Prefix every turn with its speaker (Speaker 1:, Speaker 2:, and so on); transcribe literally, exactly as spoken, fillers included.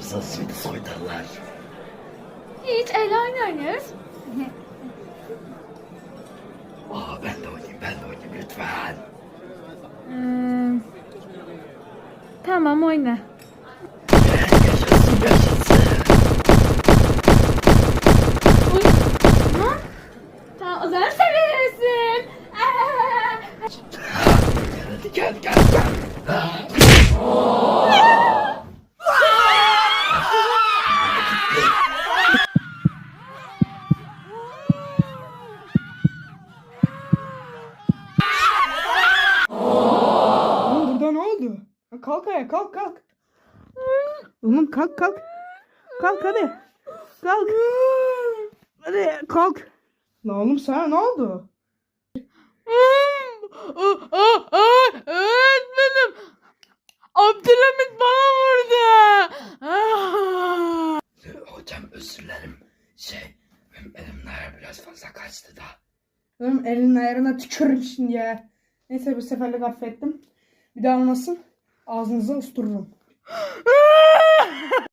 Speaker 1: mısınız şimdi soytarılar?
Speaker 2: Hiç el oynuyoruz.
Speaker 1: Aa, ben de oynayayım, ben de oynayayım lütfen.
Speaker 2: Hmm. Tamam oyna.
Speaker 1: Yaşasın, yaşasın.
Speaker 2: Uy. Ha? Tamam o zaman sen verirsin.
Speaker 1: Hadi gel, gel, gel. Ha.
Speaker 3: Oğlum burada ne oldu? Ha, kalk ayağa, kalk kalk. Oğlum kalk kalk. Kalk hadi. Kalk. Hadi kalk. La oğlum sana ne oldu?
Speaker 2: Öğretmenim. Abdülhamit bana vurdu.
Speaker 1: Hocam özür dilerim. Şey, benim elimler biraz fazla kaçtı da.
Speaker 3: Oğlum elinin ayarına tükürürüm şimdi ya. Neyse bu seferlik affettim. Bir daha olmasın ağzınıza ustururum.